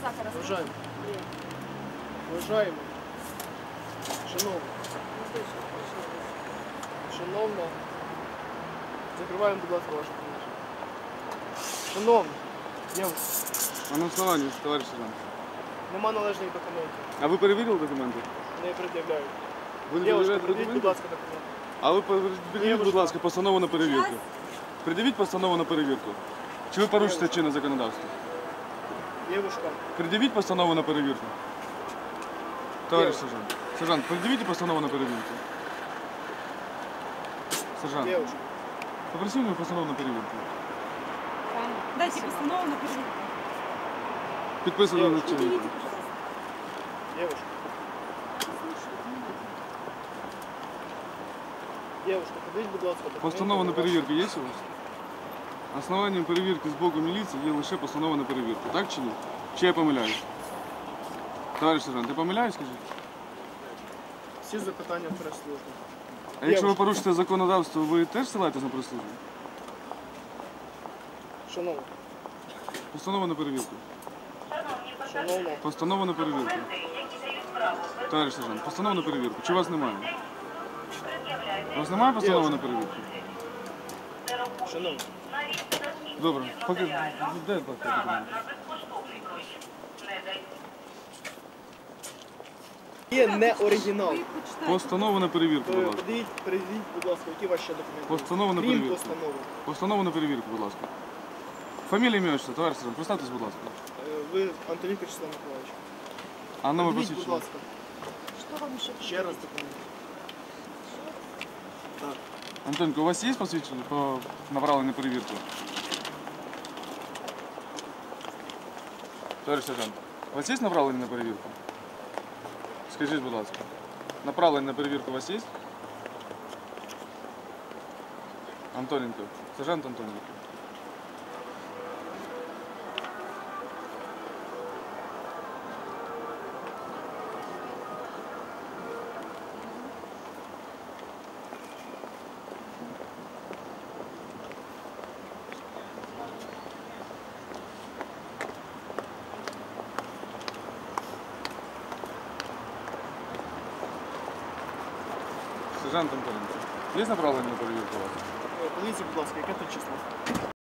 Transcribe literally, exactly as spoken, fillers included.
сахара. Вважаємо. Вважаємо. Шановно. Шановно. Закриваємо, будь ласка, ваше приміщення. Шановно. Дівчата, А на основании, товарищ сержант. нема належних документів. А ви перевірили документи? Не пред'являють. Ви не Дівчата, перевіряєте придіть, будь документи? ласка, документи. А ви пред'явіть, будь ласка, постанову на перевірку. Пред'явіть постанову на перевірку. Чи ви порушите чинне законодавство? Дівушка. Пред'явіть постанову на перевірку. Товарищ сержант. Сержант, пред'явіть постанову на перевірку. Сержант, Дівушка. попросив мені постанову на перевірку. Дайте постанову на перевірку. Підписано на чиннику. Дівушка. Дівушка, подивіть, будь ласка, документи. Постанова на перевірку є у вас? Основанням перевірки з боку міліції є лише постанова на перевірку. Так чи ні? Чи я помиляюсь? Товариш сержант, я помиляюсь, скажіть? Всі запитання в прес-службі. А якщо ви Дівчата. порушите законодавство, ви теж ссилаєтесь на прес-службу? Шановна. Постанова на перевірку. Шановна. Постанова на перевірку. Товариш сержант, постанова на перевірку. Чи у вас немає? У вас немає постанови на перевірку? Шановна. Добре. Поки... Дай поки документи. Є не оригінал. Ви почитайте. Постанова на перевірку, будь ласка. Подивіть, перевіріть, будь ласка, які ваші ще документи. Постанова на Крім перевірку. постанови. Постанова на перевірку, будь ласка. Фамілія, ім'я, отчество, товариш сержант, представтесь, будь ласка. Е, Ви Антонюк Вячеслав Миколаївич. А номер Подивіть, будь посвідчення. ласка, Що вам ще? ще раз документи. Так. Антонко, у вас є посвідчення по направленню на перевірку? Товариш сержант, у вас є направлення на перевірку? Скажіть, будь ласка. Направлення на перевірку у вас є? Антоненко. Сержант Антоненко. Сержант Антоненко. Є направлення на перевірку у вас? Е, Подивіться, будь ласка, яке тут число?